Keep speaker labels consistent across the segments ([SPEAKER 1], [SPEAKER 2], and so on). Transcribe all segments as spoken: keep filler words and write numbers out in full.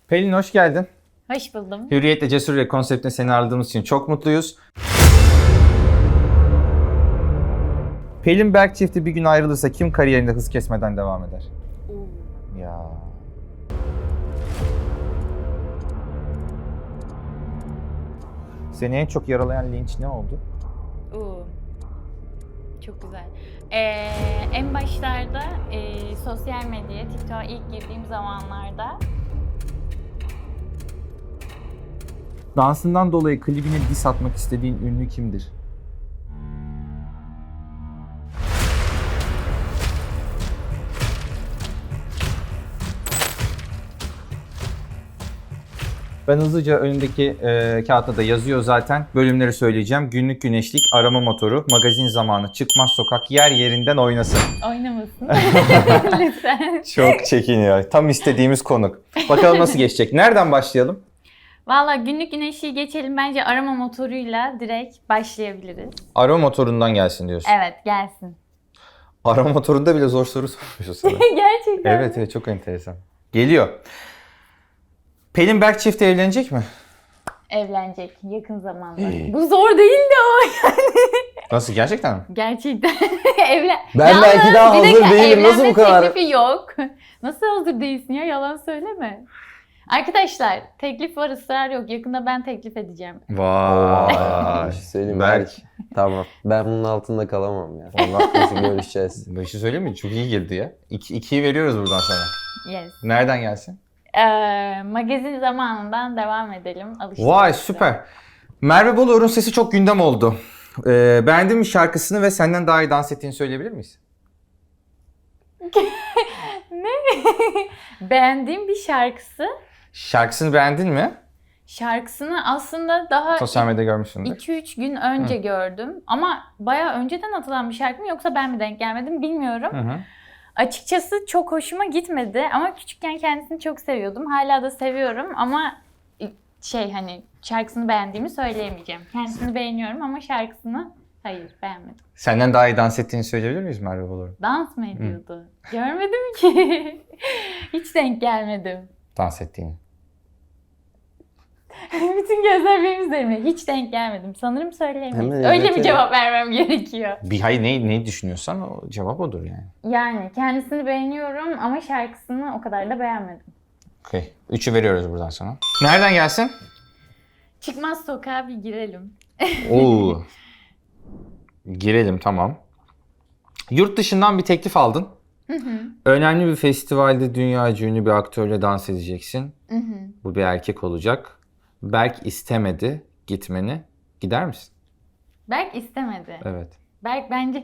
[SPEAKER 1] Pelin hoş geldin.
[SPEAKER 2] Hoş buldum.
[SPEAKER 1] Hürriyetle Cesur Yürek konseptine seni ağırladığımız için çok mutluyuz. Pelin Berk çifti bir gün ayrılırsa kim kariyerinde hız kesmeden devam eder?
[SPEAKER 2] Oo.
[SPEAKER 1] Ya. Seni en çok yaralayan linç ne oldu?
[SPEAKER 2] Oo. Çok güzel. Ee, en başlarda e, sosyal medyaya, TikTok'a ilk girdiğim zamanlarda
[SPEAKER 1] Dansından dolayı klibine diss atmak istediğin ünlü kimdir? Ben hızlıca önündeki e, kağıtta da yazıyor zaten. Bölümleri söyleyeceğim. Günlük güneşlik, arama motoru, magazin zamanı, çıkmaz sokak, yer yerinden oynasın.
[SPEAKER 2] oynamasın. Lütfen.
[SPEAKER 1] Çok çekiniyor. Tam istediğimiz konuk. Bakalım nasıl geçecek. Nereden başlayalım?
[SPEAKER 2] Valla günlük güneşi geçelim. Bence arama motoruyla direkt başlayabiliriz.
[SPEAKER 1] Arama motorundan gelsin diyorsun.
[SPEAKER 2] Evet, gelsin.
[SPEAKER 1] Arama motorunda bile zor soru sormuşuz sana.
[SPEAKER 2] Gerçekten.
[SPEAKER 1] Evet, evet çok enteresan. Geliyor. Pelin Berk çifti evlenecek mi?
[SPEAKER 2] Evlenecek yakın zamanda. Bu zor değildi o yani.
[SPEAKER 1] Nasıl, gerçekten mi?
[SPEAKER 2] Gerçekten. Evlen.
[SPEAKER 3] Ben
[SPEAKER 2] Yalnız
[SPEAKER 3] belki daha
[SPEAKER 2] bir
[SPEAKER 3] hazır
[SPEAKER 2] dakika,
[SPEAKER 3] değilim. Nasıl
[SPEAKER 2] evlenme
[SPEAKER 3] bu kadar?
[SPEAKER 2] teklifi yok. Nasıl hazır değilsin ya? Yalan söyleme. Arkadaşlar teklif var, ısrar yok. Yakında ben teklif edeceğim.
[SPEAKER 1] Vay.
[SPEAKER 3] Bir şey söyleyeyim mi?
[SPEAKER 1] Berk.
[SPEAKER 3] Tamam. Ben bunun altında kalamam ya.
[SPEAKER 1] Vallahi
[SPEAKER 3] Nasıl görüşeceğiz?
[SPEAKER 1] bir şey söyleyeyim mi? Çok iyi girdi ya. İki, ikiyi veriyoruz buradan sana.
[SPEAKER 2] Yes.
[SPEAKER 1] Nereden gelsin?
[SPEAKER 2] Ee, magazin zamanından devam edelim. Alıştık.
[SPEAKER 1] Vay süper. Merve Boluğur'un sesi çok gündem oldu. Ee, beğendin mi şarkısını ve senden daha iyi dans ettiğini söyleyebilir miyiz?
[SPEAKER 2] Ne? Beğendiğim bir şarkısı.
[SPEAKER 1] Şarkısını beğendin mi?
[SPEAKER 2] Şarkısını aslında daha
[SPEAKER 1] Sosyal medyada görmüşsündür.
[SPEAKER 2] iki üç gün önce
[SPEAKER 1] Hı.
[SPEAKER 2] gördüm. Ama bayağı önceden atılan bir şarkı mı yoksa ben mi denk gelmedim bilmiyorum.
[SPEAKER 1] Hı hı.
[SPEAKER 2] Açıkçası çok hoşuma gitmedi ama küçükken kendisini çok seviyordum. Hala da seviyorum ama şey hani şarkısını beğendiğimi söyleyemeyeceğim. Kendisini beğeniyorum ama şarkısını hayır beğenmedim.
[SPEAKER 1] Senden daha iyi dans ettiğini söyleyebilir miyiz Merve Boluğur'un?
[SPEAKER 2] Dans mı ediyordu? Görmedim ki. Hiç denk gelmedim.
[SPEAKER 1] Dans ettiğini.
[SPEAKER 2] Bütün gözler benim üzerimde. Hiç denk gelmedim. Sanırım söyleyemeyiz.
[SPEAKER 3] Hemen
[SPEAKER 2] Öyle
[SPEAKER 3] evet,
[SPEAKER 2] bir cevap vermem gerekiyor.
[SPEAKER 1] Bir hayır ne, ne düşünüyorsan o cevap odur yani.
[SPEAKER 2] Yani kendisini beğeniyorum ama şarkısını o kadar da beğenmedim.
[SPEAKER 1] Okey. Üçü veriyoruz buradan sana. Nereden gelsin?
[SPEAKER 2] Çıkmaz sokağa bir girelim.
[SPEAKER 1] Oo. Girelim, tamam. Yurt dışından bir teklif aldın.
[SPEAKER 2] Hı hı.
[SPEAKER 1] Önemli bir festivalde dünyaca ünlü bir aktörle dans edeceksin.
[SPEAKER 2] Hı hı.
[SPEAKER 1] Bu bir erkek olacak. Berk istemedi gitmeni. Gider misin?
[SPEAKER 2] Berk istemedi.
[SPEAKER 1] Evet.
[SPEAKER 2] Berk bence...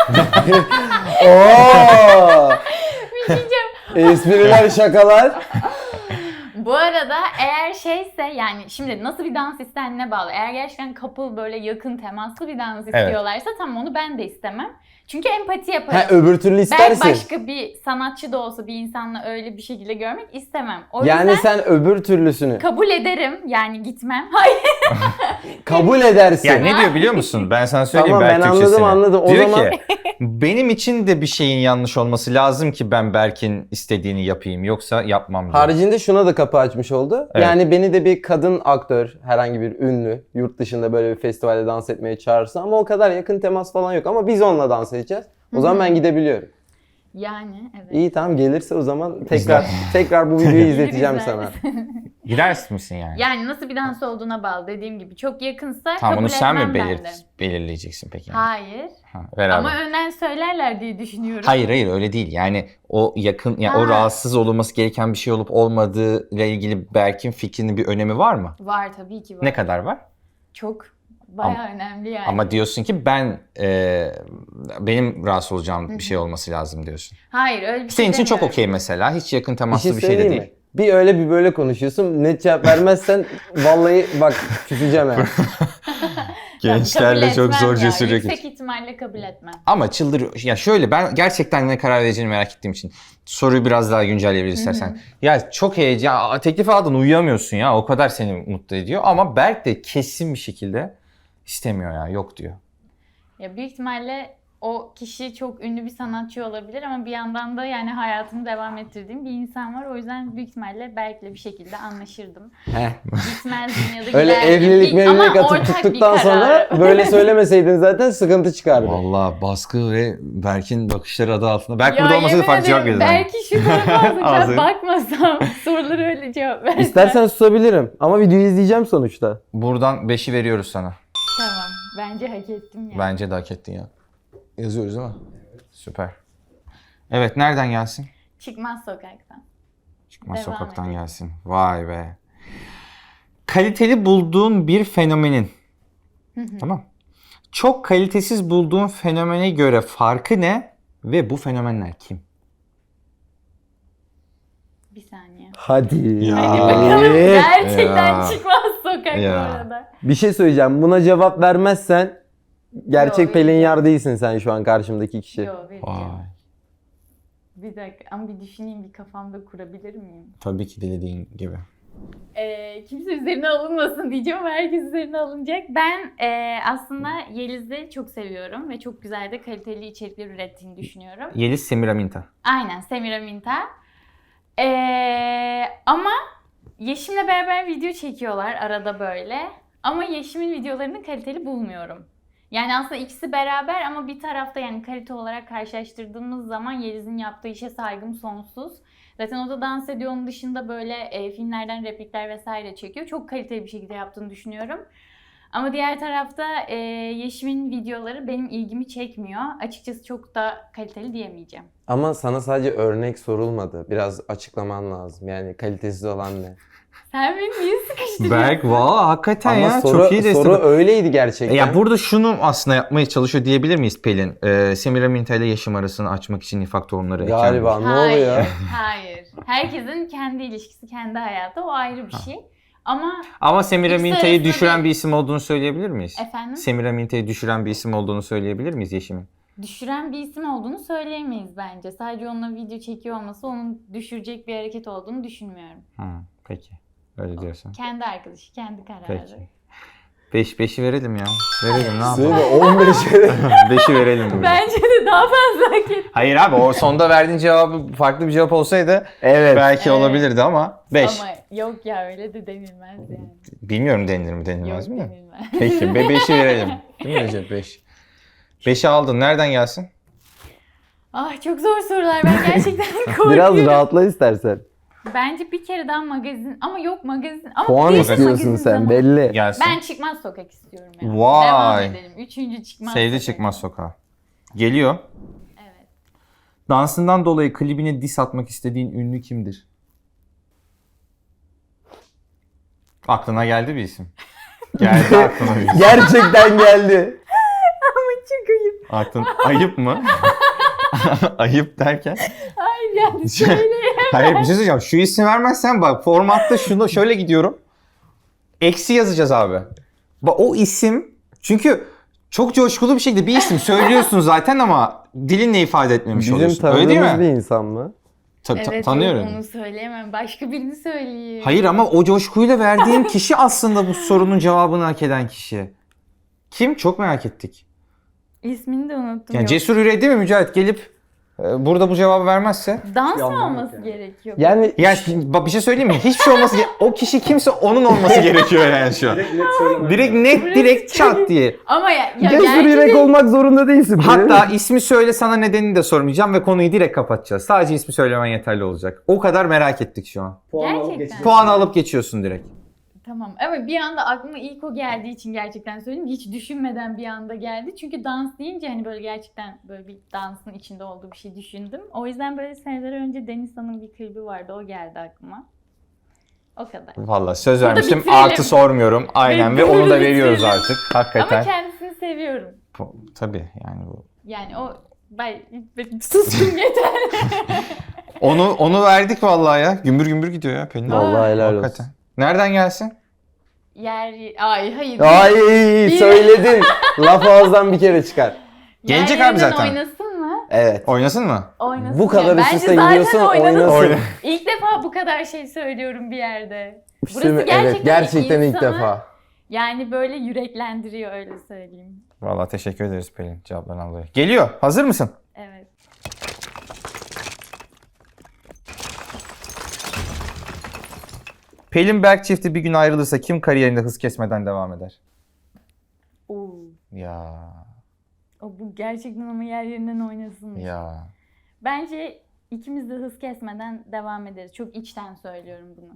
[SPEAKER 3] Oo!
[SPEAKER 2] bir şey diyeceğim.
[SPEAKER 3] Espriler, şakalar.
[SPEAKER 2] Bu arada eğer şeyse yani şimdi nasıl bir dans istendiğine bağlı. Eğer gerçekten couple böyle yakın temaslı bir dans istiyorlarsa tamam onu ben de istemem. Çünkü empati yaparım.
[SPEAKER 3] Ha, öbür türlü
[SPEAKER 2] Ben
[SPEAKER 3] istersin.
[SPEAKER 2] başka bir sanatçı da olsa bir insanla öyle bir şekilde görmek istemem. O
[SPEAKER 3] Yani
[SPEAKER 2] yüzden
[SPEAKER 3] sen öbür türlüsünü
[SPEAKER 2] kabul ederim yani gitmem. Hayır.
[SPEAKER 3] kabul edersin.
[SPEAKER 1] Ya ne diyor biliyor musun? Ben sana söyleyeyim
[SPEAKER 3] Tamam,
[SPEAKER 1] Berk
[SPEAKER 3] ben
[SPEAKER 1] Türkçesini.
[SPEAKER 3] anladım, anladım. O
[SPEAKER 1] Diyor
[SPEAKER 3] zaman-
[SPEAKER 1] ki benim için de bir şeyin yanlış olması lazım ki ben Berk'in istediğini yapayım. Yoksa yapmam diyor.
[SPEAKER 3] Haricinde şuna da kapı açmış oldu.
[SPEAKER 1] Evet.
[SPEAKER 3] Yani beni de bir kadın aktör, herhangi bir ünlü, yurt dışında böyle bir festivalde dans etmeye çağırsa ama o kadar yakın temas falan yok. Ama biz onunla dans edeceğiz. O zaman ben gidebiliyorum.
[SPEAKER 2] Yani evet.
[SPEAKER 3] İyi tamam, gelirse o zaman tekrar tekrar bu videoyu izleteceğim
[SPEAKER 2] Güzel.
[SPEAKER 3] sana.
[SPEAKER 1] Gider misin yani?
[SPEAKER 2] Yani nasıl bir dans olduğuna bağlı dediğim gibi. Çok yakınsa
[SPEAKER 1] Tamam,
[SPEAKER 2] kabul
[SPEAKER 1] onu sen mi
[SPEAKER 2] etmem ben
[SPEAKER 1] belir
[SPEAKER 2] de.
[SPEAKER 1] belirleyeceksin peki? Yani?
[SPEAKER 2] Hayır.
[SPEAKER 1] Ha, beraber.
[SPEAKER 2] Ama önden söylerler diye düşünüyorum.
[SPEAKER 1] Hayır hayır öyle değil. Yani o yakın yani o
[SPEAKER 2] Ha.
[SPEAKER 1] rahatsız olunması gereken bir şey olup olmadığı ile ilgili Berk'in fikrinin bir önemi var mı?
[SPEAKER 2] Var tabii ki var.
[SPEAKER 1] Ne kadar var?
[SPEAKER 2] Çok bayağı
[SPEAKER 1] Ama-
[SPEAKER 2] önemli yani.
[SPEAKER 1] Ama diyorsun ki ben e, benim rahatsız olacağım bir şey olması lazım diyorsun.
[SPEAKER 2] Hayır öyle bir şey
[SPEAKER 1] Senin için çok
[SPEAKER 2] demiyorum.
[SPEAKER 1] okey mesela. Hiç yakın
[SPEAKER 3] Bir
[SPEAKER 1] temaslı
[SPEAKER 3] şey
[SPEAKER 1] bir şey de
[SPEAKER 3] söyleyeyim
[SPEAKER 1] değil.
[SPEAKER 3] mi? Bir öyle bir böyle konuşuyorsun. Net cevap vermezsen vallahi bak küseceğim yani.
[SPEAKER 1] Gençlerle
[SPEAKER 2] Kabul
[SPEAKER 1] çok
[SPEAKER 2] etmem
[SPEAKER 1] zor
[SPEAKER 2] ya.
[SPEAKER 1] cesur
[SPEAKER 2] Yüksek
[SPEAKER 1] hareket.
[SPEAKER 2] ihtimalle kabul etmem.
[SPEAKER 1] Ama çıldırıyor. Ya şöyle ben gerçekten ne karar vereceğini merak ettiğim için soruyu biraz daha güncelleyebilir istersen. Ya çok heyecan, teklif aldın uyuyamıyorsun ya. O kadar seni mutlu ediyor. Ama Berk de kesin bir şekilde istemiyor ya. Yok diyor.
[SPEAKER 2] Ya büyük ihtimalle o kişi çok ünlü bir sanatçı olabilir ama bir yandan da yani hayatını devam ettirdiğim bir insan var. O yüzden büyük ihtimalle Berk'le bir şekilde anlaşırdım.
[SPEAKER 3] Heh.
[SPEAKER 2] Gitmezdim ya da
[SPEAKER 3] Öyle
[SPEAKER 2] giderdim.
[SPEAKER 3] evlilik
[SPEAKER 2] Bir- ama
[SPEAKER 3] mevlilik atıp
[SPEAKER 2] ortak bir
[SPEAKER 3] tuttuktan
[SPEAKER 2] karar.
[SPEAKER 3] sonra böyle söylemeseydin zaten sıkıntı çıkardı.
[SPEAKER 1] Valla baskı ve Berk'in bakışları adı altında. Berk
[SPEAKER 2] Ya
[SPEAKER 1] burada olmasaydı
[SPEAKER 2] yemin
[SPEAKER 1] farklı cevap
[SPEAKER 2] ederim,
[SPEAKER 1] verirdi.
[SPEAKER 2] Belki şu tarafa
[SPEAKER 1] Ağzı.
[SPEAKER 2] olacak bakmasam soruları öyle cevap versem.
[SPEAKER 3] İstersen susabilirim ama videoyu izleyeceğim sonuçta.
[SPEAKER 1] Buradan beşi veriyoruz sana.
[SPEAKER 2] Tamam. Bence hak ettim ya.
[SPEAKER 1] Bence de hak ettin ya. Yazıyoruz değil mi? Süper. Evet, nereden gelsin?
[SPEAKER 2] Çıkmaz sokaktan.
[SPEAKER 1] Çıkmaz
[SPEAKER 2] Devam
[SPEAKER 1] sokaktan
[SPEAKER 2] edelim.
[SPEAKER 1] gelsin. Vay be. Kaliteli bulduğun bir fenomenin. Tamam. Çok kalitesiz bulduğun fenomene göre farkı ne ve bu fenomenler kim?
[SPEAKER 2] Bir saniye.
[SPEAKER 3] Hadi.
[SPEAKER 1] Ya.
[SPEAKER 2] Hadi bakalım. Gerçekten
[SPEAKER 1] Ya.
[SPEAKER 2] çıkmaz sokak
[SPEAKER 1] Ya.
[SPEAKER 2] bu arada.
[SPEAKER 3] Bir şey söyleyeceğim. Buna cevap vermezsen gerçek
[SPEAKER 2] Yo,
[SPEAKER 3] Pelin
[SPEAKER 2] vereceğim.
[SPEAKER 3] Yar değilsin sen şu an karşımdaki kişi.
[SPEAKER 2] Yo vereceğim.
[SPEAKER 1] Vay.
[SPEAKER 2] Bir dakika ama bir düşüneyim, bir kafamda kurabilir miyim?
[SPEAKER 1] Tabii ki dilediğin gibi.
[SPEAKER 2] Ee, kimse üzerine alınmasın diyeceğim ama herkes üzerine alınacak. Ben e, aslında Yeliz'i çok seviyorum ve çok güzel de kaliteli içerikler ürettiğini düşünüyorum.
[SPEAKER 1] Yeliz Semiraminta.
[SPEAKER 2] Aynen, Semiraminta. Ee, ama Yeşim'le beraber video çekiyorlar arada böyle. Ama Yeşim'in videolarını kaliteli bulmuyorum. Yani aslında ikisi beraber ama bir tarafta yani kalite olarak karşılaştırdığımız zaman Yeliz'in yaptığı işe saygım sonsuz. Zaten o da dans ediyor. Onun dışında böyle e, filmlerden replikler vesaire çekiyor. Çok kaliteli bir şekilde yaptığını düşünüyorum. Ama diğer tarafta e, Yeşim'in videoları benim ilgimi çekmiyor. Açıkçası çok da kaliteli diyemeyeceğim.
[SPEAKER 3] Ama sana sadece örnek sorulmadı. Biraz açıklaman lazım. Yani kalitesiz olan ne?
[SPEAKER 2] Sen beni niye sıkıştırıyorsun?
[SPEAKER 1] Berk valla hakikaten
[SPEAKER 3] Ama
[SPEAKER 1] ya
[SPEAKER 3] soru,
[SPEAKER 1] çok iyi destek.
[SPEAKER 3] soru öyleydi gerçekten.
[SPEAKER 1] Ya burada şunu aslında yapmaya çalışıyor diyebilir miyiz Pelin? Ee, Semiraminta ile Yeşim arasını açmak için nifak tohumları eken
[SPEAKER 3] Galiba
[SPEAKER 1] bir-
[SPEAKER 3] ne
[SPEAKER 2] Hayır,
[SPEAKER 3] oluyor?
[SPEAKER 2] hayır. Herkesin kendi ilişkisi, kendi hayatı. O ayrı bir şey. Ama
[SPEAKER 1] Ama Semiraminta'yı
[SPEAKER 2] İkisi arasında
[SPEAKER 1] düşüren
[SPEAKER 2] bir-
[SPEAKER 1] bir isim olduğunu söyleyebilir miyiz?
[SPEAKER 2] efendim,
[SPEAKER 1] Semiraminta'yı düşüren bir isim olduğunu söyleyebilir miyiz Yeşim'in?
[SPEAKER 2] düşüren bir isim olduğunu söyleyemeyiz bence. Sadece onunla video çekiyor olması onun düşürecek bir hareket olduğunu düşünmüyorum.
[SPEAKER 1] Hı, peki. Öyle diyorsan.
[SPEAKER 2] Kendi arkadaşı, kendi kararı.
[SPEAKER 1] Peki. Beş, beşi verelim ya. Verelim ne
[SPEAKER 3] Söyle
[SPEAKER 1] yapalım?
[SPEAKER 3] on beşe.
[SPEAKER 1] Beşi verelim. bugün.
[SPEAKER 2] Bence de daha fazla hak etti.
[SPEAKER 1] Hayır abi o sonda verdiğin cevabı farklı bir cevap olsaydı
[SPEAKER 3] Evet.
[SPEAKER 1] belki
[SPEAKER 2] Evet.
[SPEAKER 1] olabilirdi ama beş.
[SPEAKER 2] Ama yok ya, öyle de denilmez yani.
[SPEAKER 1] Bilmiyorum denilir mi denilmez
[SPEAKER 2] Yok
[SPEAKER 1] mi?
[SPEAKER 2] denilmez.
[SPEAKER 1] Peki be beşi verelim. Değil mi Recep? Beş. Beşi aldın. Nereden gelsin?
[SPEAKER 2] Ah, çok zor sorular. Ben gerçekten korkuyorum.
[SPEAKER 3] Biraz rahatla istersen.
[SPEAKER 2] Bence bir kere daha magazin ama yok magazin ama
[SPEAKER 3] Puan
[SPEAKER 2] değilse
[SPEAKER 3] istiyorsun
[SPEAKER 2] magazin
[SPEAKER 3] sen
[SPEAKER 2] zamanı.
[SPEAKER 3] belli.
[SPEAKER 1] Gelsin.
[SPEAKER 2] Ben çıkmaz sokak istiyorum yani.
[SPEAKER 1] Vay.
[SPEAKER 2] Devam edelim. Üçüncü çıkmaz
[SPEAKER 1] Sevdi
[SPEAKER 2] sokak.
[SPEAKER 1] çıkmaz sokağa. Geliyor.
[SPEAKER 2] Evet.
[SPEAKER 1] Dansından dolayı klibine diss atmak istediğin ünlü kimdir? Aklına geldi bir isim. Geldi aklına bir isim.
[SPEAKER 3] Gerçekten geldi.
[SPEAKER 2] Ama çok ayıp.
[SPEAKER 1] Aklın ayıp mı? Ayıp derken?
[SPEAKER 2] Hayır yani söyle.
[SPEAKER 1] Hayır bir şey söyleyeceğim. Şu ismi vermezsen bak formatta şunu şöyle gidiyorum. Eksi yazacağız abi. Bak o isim çünkü çok coşkulu bir şekilde bir isim söylüyorsun zaten ama dilinle ifade etmemiş
[SPEAKER 3] Bizim
[SPEAKER 1] oluyorsun. Öyle değil
[SPEAKER 3] tanıdığımız
[SPEAKER 1] mi?
[SPEAKER 3] bir insan mı?
[SPEAKER 1] Ta- ta-
[SPEAKER 2] Evet,
[SPEAKER 1] tanıyorum.
[SPEAKER 2] yok, onu söyleyemem. Başka birini söyleyeyim.
[SPEAKER 1] Hayır ama o coşkuyla verdiğim kişi aslında bu sorunun cevabını hak eden kişi. Kim? Çok merak ettik.
[SPEAKER 2] İsmini de unuttum.
[SPEAKER 1] Yani
[SPEAKER 2] yok.
[SPEAKER 1] Cesur Yüreği değil mi Mücahit gelip e, burada bu cevabı vermezse?
[SPEAKER 2] Dans mı olması gerekiyor?
[SPEAKER 3] Yani
[SPEAKER 1] Yani bak bir şey söyleyeyim mi? Hiçbir şey olması ge- o kişi kimse onun olması gerekiyor yani şu an. Direkt net direkt çat diye.
[SPEAKER 2] Ama ya, ya
[SPEAKER 3] cesur
[SPEAKER 2] gerçi
[SPEAKER 3] yürek
[SPEAKER 2] de-
[SPEAKER 3] olmak zorunda değilsin.
[SPEAKER 1] Hatta ismi söyle sana nedenini de sormayacağım ve konuyu direkt kapatacağız. Sadece ismi söylemen yeterli olacak. O kadar merak ettik şu an.
[SPEAKER 2] Gerçekten.
[SPEAKER 1] Puanı alıp geçiyorsun direkt.
[SPEAKER 2] Tamam ama bir anda aklıma ilk o geldiği için gerçekten söyleyeyim. Hiç düşünmeden bir anda geldi. Çünkü dans deyince hani böyle gerçekten böyle bir dansın içinde olduğu bir şey düşündüm. O yüzden böyle seneler önce Denizhan'ın bir klibi vardı. O geldi aklıma. O kadar.
[SPEAKER 1] Vallahi söz
[SPEAKER 2] Burada
[SPEAKER 1] vermiştim.
[SPEAKER 2] bitirelim.
[SPEAKER 1] Artı sormuyorum. Aynen ve
[SPEAKER 2] Burada
[SPEAKER 1] onu da
[SPEAKER 2] bitirelim.
[SPEAKER 1] veriyoruz artık. Hakikaten.
[SPEAKER 2] Ama kendisini seviyorum.
[SPEAKER 1] Bu- Tabii yani bu.
[SPEAKER 2] Yani o... Ben, ben sustum yeter.
[SPEAKER 1] Onu onu verdik vallahi ya. Gümbür gümbür gidiyor ya Pelin.
[SPEAKER 3] Vallahi helal olsun.
[SPEAKER 1] Hakikaten. Nereden gelsin?
[SPEAKER 2] Yer... Ay hayır.
[SPEAKER 3] Ay söyledin. Laf ağızdan bir kere çıkar.
[SPEAKER 1] Gelecek
[SPEAKER 2] Yer
[SPEAKER 1] abi
[SPEAKER 2] yerinden
[SPEAKER 1] zaten.
[SPEAKER 2] Oynasın mı?
[SPEAKER 3] Evet.
[SPEAKER 1] Oynasın mı?
[SPEAKER 2] Oynasın.
[SPEAKER 3] Bu kadar
[SPEAKER 2] ya.
[SPEAKER 3] üst
[SPEAKER 2] Bence
[SPEAKER 3] üste
[SPEAKER 2] zaten
[SPEAKER 3] gidiyorsun
[SPEAKER 2] oynasın.
[SPEAKER 3] oynasın.
[SPEAKER 1] Oyna.
[SPEAKER 2] İlk defa bu kadar şey söylüyorum bir yerde. Burası
[SPEAKER 3] Değil mi?
[SPEAKER 2] gerçekten,
[SPEAKER 3] Evet gerçekten ilk
[SPEAKER 2] insanı
[SPEAKER 3] defa.
[SPEAKER 2] Yani böyle yüreklendiriyor öyle söyleyeyim.
[SPEAKER 1] Vallahi teşekkür ederiz Pelin cevaplarından dolayı. Geliyor. Hazır mısın?
[SPEAKER 2] Evet.
[SPEAKER 1] Pelin Berk çifti bir gün ayrılırsa kim kariyerinde hız kesmeden devam eder?
[SPEAKER 2] Oo.
[SPEAKER 1] Ya
[SPEAKER 2] O bu gerçekten ama yer yerinden oynasın.
[SPEAKER 1] ya.
[SPEAKER 2] Bence ikimiz de hız kesmeden devam ederiz. Çok içten söylüyorum bunu.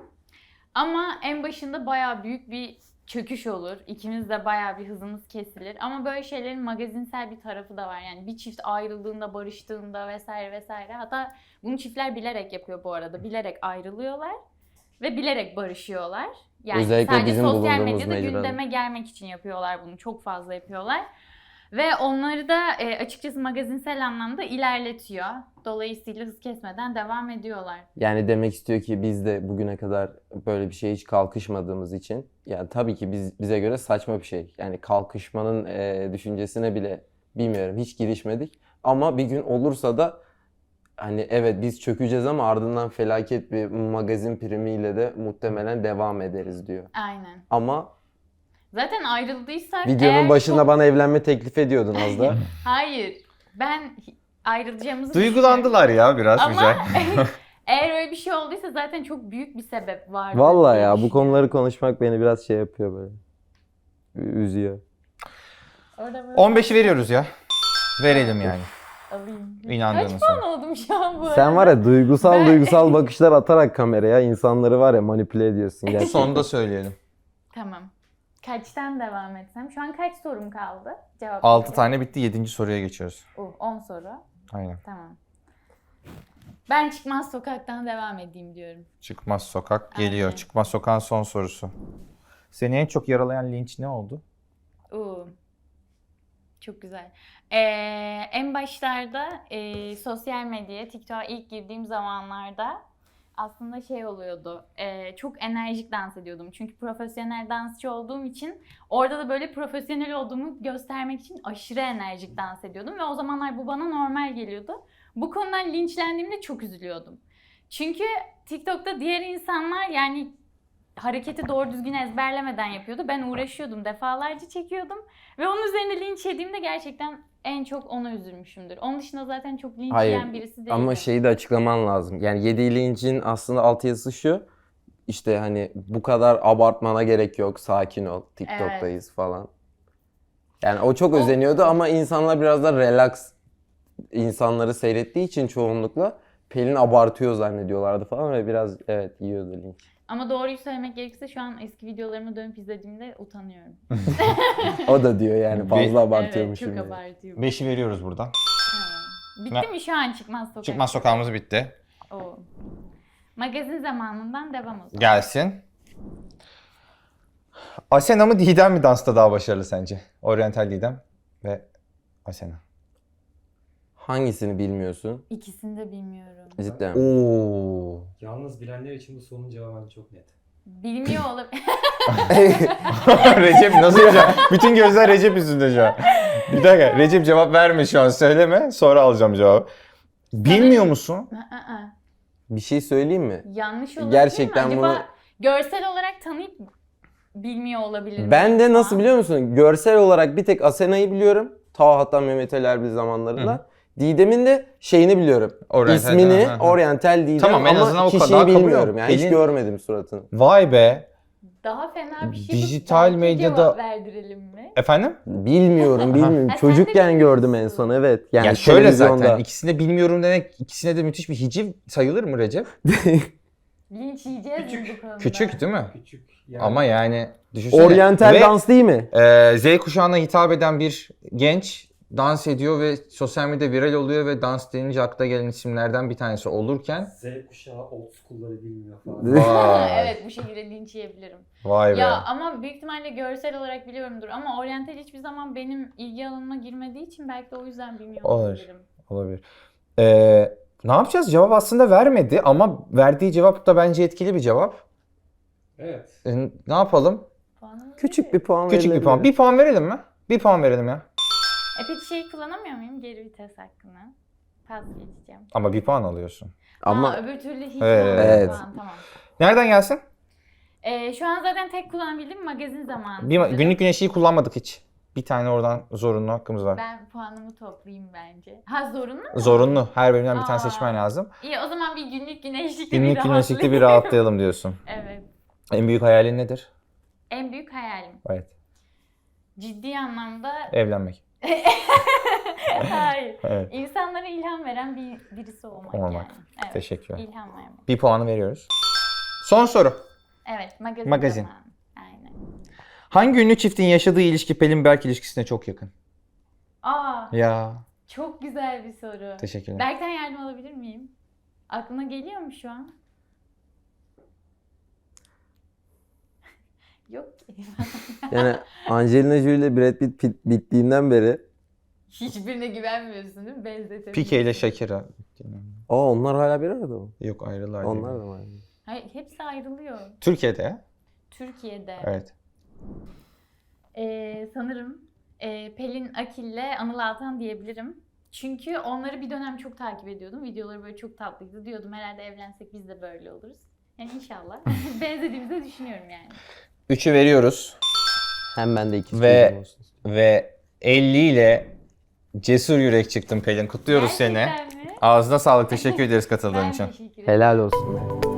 [SPEAKER 2] Ama en başında bayağı büyük bir çöküş olur. İkimiz de bayağı bir hızımız kesilir. Ama böyle şeylerin magazinsel bir tarafı da var. Yani bir çift ayrıldığında, barıştığında vesaire vesaire. Hatta bunu çiftler bilerek yapıyor bu arada. Bilerek ayrılıyorlar ve bilerek barışıyorlar. Yani
[SPEAKER 3] Özellikle
[SPEAKER 2] sadece
[SPEAKER 3] bizim
[SPEAKER 2] sosyal
[SPEAKER 3] bulunduğumuz
[SPEAKER 2] medyada
[SPEAKER 3] mecrada.
[SPEAKER 2] gündeme gelmek için yapıyorlar bunu. Çok fazla yapıyorlar. Ve onları da e, açıkçası magazinsel anlamda ilerletiyor. Dolayısıyla hız kesmeden devam ediyorlar.
[SPEAKER 3] Yani demek istiyor ki biz de bugüne kadar böyle bir şeye hiç kalkışmadığımız için, yani tabii ki biz bize göre saçma bir şey. Yani kalkışmanın e, düşüncesine bile bilmiyorum hiç girişmedik. Ama bir gün olursa da hani evet biz çökeceğiz ama ardından felaket bir magazin primiyle de muhtemelen devam ederiz diyor.
[SPEAKER 2] Aynen.
[SPEAKER 3] Ama
[SPEAKER 2] Zaten ayrıldıysak
[SPEAKER 3] videonun
[SPEAKER 2] eğer
[SPEAKER 3] başında
[SPEAKER 2] çok-
[SPEAKER 3] bana evlenme teklif ediyordun az da.
[SPEAKER 2] Hayır. Ben ayrılacağımızı
[SPEAKER 1] Duygulandılar ya biraz
[SPEAKER 2] Ama
[SPEAKER 1] güzel.
[SPEAKER 2] eğer öyle bir şey olduysa zaten çok büyük bir sebep vardı.
[SPEAKER 3] Vallahi
[SPEAKER 2] diye
[SPEAKER 3] ya bu
[SPEAKER 2] düşünüyorum.
[SPEAKER 3] konuları konuşmak beni biraz şey yapıyor böyle. Ü- Üzüyor.
[SPEAKER 2] Orada böyle
[SPEAKER 1] on beşi veriyoruz ya. Verelim yani.
[SPEAKER 2] alayım.
[SPEAKER 1] İnandığınız
[SPEAKER 2] Kaç puan oldum şu an bu arada?
[SPEAKER 3] Sen var ya duygusal
[SPEAKER 2] Ben-
[SPEAKER 3] duygusal bakışlar atarak kameraya insanları var ya manipüle ediyorsun gerçekten.
[SPEAKER 1] Sonda söyleyelim.
[SPEAKER 2] Tamam. Kaçtan devam etsem? Şu an kaç sorum kaldı? Cevap
[SPEAKER 1] altı
[SPEAKER 2] vereyim.
[SPEAKER 1] tane bitti. yedinci soruya geçiyoruz.
[SPEAKER 2] Oh, on soru.
[SPEAKER 1] Aynen.
[SPEAKER 2] Tamam. Ben çıkmaz sokaktan devam edeyim diyorum.
[SPEAKER 1] Çıkmaz sokak geliyor.
[SPEAKER 2] Aynen.
[SPEAKER 1] Çıkmaz sokağın son sorusu. Seni en çok yaralayan linç ne oldu?
[SPEAKER 2] Oo. Çok güzel. Ee, en başlarda e, sosyal medyaya, TikTok'a ilk girdiğim zamanlarda aslında şey oluyordu. e, çok enerjik dans ediyordum. Çünkü profesyonel dansçı olduğum için orada da böyle profesyonel olduğumu göstermek için aşırı enerjik dans ediyordum. Ve o zamanlar bu bana normal geliyordu. Bu konudan linçlendiğimde çok üzülüyordum. Çünkü TikTok'ta diğer insanlar yani hareketi doğru düzgün ezberlemeden yapıyordu. Ben uğraşıyordum, defalarca çekiyordum. Ve onun üzerine linç yediğimde gerçekten en çok ona üzülmüşümdür. Onun dışında zaten çok linç
[SPEAKER 3] Hayır,
[SPEAKER 2] yiyen birisi değilim.
[SPEAKER 3] Ama şeyi de açıklaman lazım. Yani yediği lincin aslında altyazısı şu. İşte hani bu kadar abartmana gerek yok. Sakin ol. TikTok'tayız falan. Yani o çok
[SPEAKER 2] O-
[SPEAKER 3] özeniyordu ama insanlar biraz da relax insanları seyrettiği için çoğunlukla Pelin abartıyor zannediyorlardı falan ve biraz evet yiyordu linç.
[SPEAKER 2] Ama doğruyu söylemek gerekirse şu an eski videolarımı dönüp izlediğimde utanıyorum.
[SPEAKER 3] O da diyor yani fazla
[SPEAKER 2] Evet,
[SPEAKER 3] abartıyormuşum.
[SPEAKER 2] çok
[SPEAKER 3] diye.
[SPEAKER 2] abartıyorum.
[SPEAKER 1] beşi veriyoruz buradan.
[SPEAKER 2] Tamam. Bitti mi şu an çıkmaz sokak?
[SPEAKER 1] Çıkmaz sokağımız bitti.
[SPEAKER 2] Oo. Magazin zamanından devam o zaman.
[SPEAKER 1] Gelsin. Asena mı Didem mi dansta daha başarılı sence? Oriental Didem ve Asena.
[SPEAKER 3] Hangisini bilmiyorsun?
[SPEAKER 2] İkisini de bilmiyorum.
[SPEAKER 3] Cidden.
[SPEAKER 1] Oo.
[SPEAKER 4] Yalnız bilenler için bu sorunun cevabı çok net.
[SPEAKER 2] Bilmiyor olabilir.
[SPEAKER 1] Recep nasıl yapacak? Bütün gözler Recep yüzünde şu an. Bir dakika Recep cevap verme şu an söyleme sonra alacağım cevabı. Bilmiyor musun?
[SPEAKER 3] Bir şey söyleyeyim mi?
[SPEAKER 2] Yanlış olabilir
[SPEAKER 3] Gerçekten
[SPEAKER 2] mi? Acaba
[SPEAKER 3] bunu-
[SPEAKER 2] görsel olarak tanıyıp bilmiyor olabilir mi?
[SPEAKER 3] Ben de nasıl
[SPEAKER 2] Şu an?
[SPEAKER 3] biliyor musun? Görsel olarak bir tek Asena'yı biliyorum. Ta hatta Mehmet Ali Erbil zamanlarında. Didem'in de şeyini biliyorum.
[SPEAKER 1] Oriental,
[SPEAKER 3] İsmini
[SPEAKER 1] ha, ha.
[SPEAKER 3] Oriental Didem
[SPEAKER 1] Tamam, en azından
[SPEAKER 3] ama
[SPEAKER 1] o
[SPEAKER 3] kişiyi
[SPEAKER 1] kadar kabul
[SPEAKER 3] bilmiyorum.
[SPEAKER 1] yok.
[SPEAKER 3] Yani hiç
[SPEAKER 1] Pelin-
[SPEAKER 3] görmedim suratını.
[SPEAKER 1] Vay be.
[SPEAKER 2] Daha fena bir şey.
[SPEAKER 1] Dijital
[SPEAKER 2] Belki
[SPEAKER 1] medyada-
[SPEAKER 2] cevap verdirelim mi?
[SPEAKER 1] Efendim?
[SPEAKER 3] Bilmiyorum, bilmiyorum.
[SPEAKER 2] Ha, sen de
[SPEAKER 3] Çocukken gördüm en
[SPEAKER 2] bilmiyorsun.
[SPEAKER 3] son evet. Yani
[SPEAKER 1] ya şöyle
[SPEAKER 3] televizyonda.
[SPEAKER 1] zaten ikisini de bilmiyorum demek ikisine de müthiş bir hiciv sayılır mı Recep?
[SPEAKER 2] Linç yiyeceğiz mi
[SPEAKER 4] Küçük.
[SPEAKER 2] bu konuda?
[SPEAKER 1] Küçük değil mi?
[SPEAKER 4] Küçük. Yani
[SPEAKER 1] Ama yani düşünsene.
[SPEAKER 3] Oriental
[SPEAKER 1] Ve,
[SPEAKER 3] dans değil mi?
[SPEAKER 1] e, Z kuşağına hitap eden bir genç dans ediyor ve sosyal medyada viral oluyor ve dans denince akla gelen isimlerden bir tanesi olurken
[SPEAKER 4] Z kuşağı old school'ları bilmiyor falan.
[SPEAKER 1] vay,
[SPEAKER 2] Evet bu şekilde linç yiyebilirim.
[SPEAKER 1] vay be.
[SPEAKER 2] Ya ama büyük ihtimalle görsel olarak biliyorumdur ama oryantal hiçbir zaman benim ilgi alanıma girmediği için belki de o yüzden bilmiyor
[SPEAKER 1] Olur.
[SPEAKER 2] olabilirim.
[SPEAKER 1] Olabilir. Ee, ne yapacağız? Cevap aslında vermedi ama verdiği cevap da bence etkili bir cevap.
[SPEAKER 4] Evet.
[SPEAKER 1] Ee, ne yapalım?
[SPEAKER 2] Puanımız
[SPEAKER 3] Küçük
[SPEAKER 2] ne?
[SPEAKER 3] bir puan
[SPEAKER 1] Küçük bir
[SPEAKER 3] verilebilir.
[SPEAKER 1] puan. Bir puan verelim mi? Bir puan verelim ya.
[SPEAKER 2] E peki şeyi kullanamıyor muyum? Geri vites hakkını. Pas geçeceğim.
[SPEAKER 1] Ama bir puan alıyorsun.
[SPEAKER 3] Ama
[SPEAKER 2] Ha, öbür türlü hiç
[SPEAKER 1] Evet.
[SPEAKER 2] olmadı
[SPEAKER 3] Evet.
[SPEAKER 2] puan. Tamam.
[SPEAKER 1] Nereden gelsin?
[SPEAKER 2] E, şu an zaten tek kullanabildiğim magazin zamanı.
[SPEAKER 1] Bir,
[SPEAKER 2] sanırım.
[SPEAKER 1] günlük güneşi kullanmadık hiç. Bir tane oradan zorunlu hakkımız var.
[SPEAKER 2] Ben puanımı toplayayım bence. Ha zorunlu mu?
[SPEAKER 1] Zorunlu. Her bölümden bir tane
[SPEAKER 2] Aa.
[SPEAKER 1] seçmen lazım.
[SPEAKER 2] İyi o zaman bir günlük güneşlikte
[SPEAKER 1] Günlük
[SPEAKER 2] bir
[SPEAKER 1] güneşlikte bir
[SPEAKER 2] rahatlayayım.
[SPEAKER 1] rahatlayalım diyorsun.
[SPEAKER 2] Evet.
[SPEAKER 1] En büyük hayalin nedir?
[SPEAKER 2] En büyük hayalim.
[SPEAKER 1] Evet.
[SPEAKER 2] Ciddi anlamda
[SPEAKER 1] Evlenmek.
[SPEAKER 2] hayır.
[SPEAKER 1] Evet.
[SPEAKER 2] İnsanlara ilham veren bir birisi olmak,
[SPEAKER 1] Olmak.
[SPEAKER 2] yani. Evet.
[SPEAKER 1] Teşekkürler.
[SPEAKER 2] İlham vermek.
[SPEAKER 1] Bir puanı veriyoruz. Son soru.
[SPEAKER 2] Evet, magazin.
[SPEAKER 1] Magazin.
[SPEAKER 2] zamanı. Aynen.
[SPEAKER 1] Hangi ünlü çiftin yaşadığı ilişki Pelin Berk ilişkisine çok yakın?
[SPEAKER 2] Aa,
[SPEAKER 1] Ya.
[SPEAKER 2] çok güzel bir soru.
[SPEAKER 1] Teşekkürler.
[SPEAKER 2] Berk'ten yardım alabilir miyim? Aklına geliyor mu şu an? Yok ki.
[SPEAKER 3] Yani Angelina Jolie ile Brad Pitt pit- bittiğinden beri
[SPEAKER 2] Hiçbirine güvenmiyorsun değil mi? Benzetemiyorsun.
[SPEAKER 1] Pike ile Shakira.
[SPEAKER 3] aa onlar hala bir arada mı?
[SPEAKER 1] Yok ayrılar.
[SPEAKER 3] Onlar da mı?
[SPEAKER 2] Hayır, hepsi ayrılıyor.
[SPEAKER 1] Türkiye'de ya.
[SPEAKER 2] Türkiye'de.
[SPEAKER 1] Evet.
[SPEAKER 2] Ee, sanırım e, Pelin Akil'le Anıl Altan diyebilirim. Çünkü onları bir dönem çok takip ediyordum. Videoları böyle çok tatlıydı. Diyordum herhalde evlensek biz de böyle oluruz. Yani inşallah. Benzediğimizi de düşünüyorum yani.
[SPEAKER 1] Üçü veriyoruz.
[SPEAKER 3] Hem ben de iki
[SPEAKER 1] Ve-
[SPEAKER 3] çocuğum olsun.
[SPEAKER 1] Ve elli ile cesur yürek çıktın Pelin. Kutluyoruz seni.
[SPEAKER 2] Gerçekten mi?
[SPEAKER 1] Ağzına sağlık. Teşekkür ederiz katıldığın
[SPEAKER 2] Ben
[SPEAKER 1] için.
[SPEAKER 2] teşekkür ederim.
[SPEAKER 3] Helal olsun.